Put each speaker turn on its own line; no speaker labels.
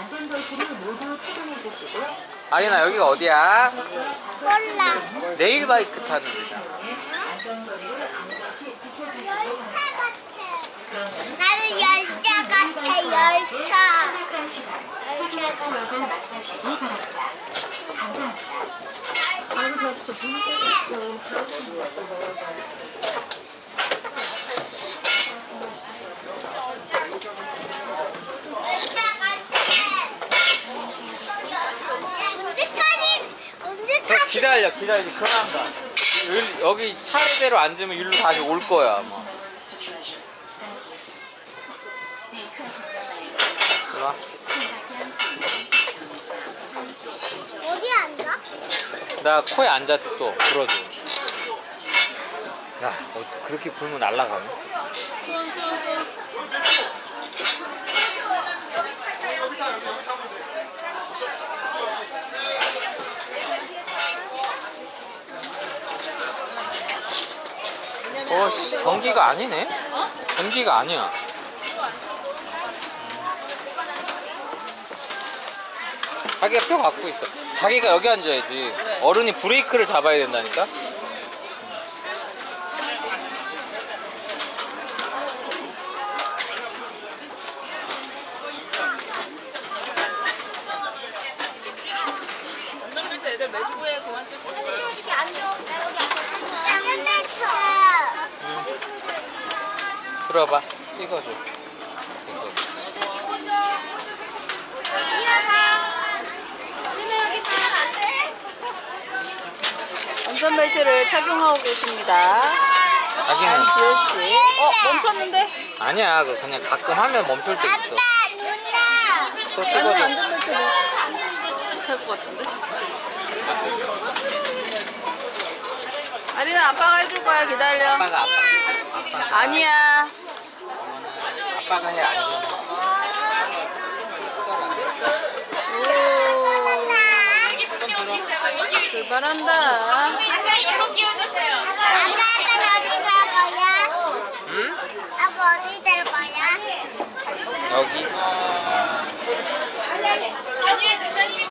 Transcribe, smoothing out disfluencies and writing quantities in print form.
아리나 여기가 어디야?
몰라.
레일바이크 타는 데잖아.
나는 열차 같아, 열차. 언제까지
기다려 편한다. 여기 차례대로 앉으면 일로 다시 올 거야 아마. 이리 와.
어디 앉아?
나 코에 앉아도 또 불어줘. 야, 그렇게 불면 날아가네.
손.
씨, 전기가 아니네? 전기가 아니야. 자기가 표 갖고 있어. 자기가 여기 앉아야지. 어른이 브레이크를 잡아야 된다니까?
애들 매주부에 그만 찍고.
여기 앉아. 나는 냈어.
들어봐. 찍어줘. 이거.
안전벨트를 착용하고 계십니다.
자기는
안지효 씨. 멈췄는데?
아니야. 그냥 가끔 하면 멈출 때 있어.
아빠, 누나.
또
아니,
찍어줘.
안전벨트 못할 것 같은데? 아리나 아빠가 해줄 거야. 기다려.
아빠가.
아니야.
아빠가 해. 안전.
출발한다.
아빠, 어디 갈 거야?
응?
아빠, 어디 갈 거야?
여기.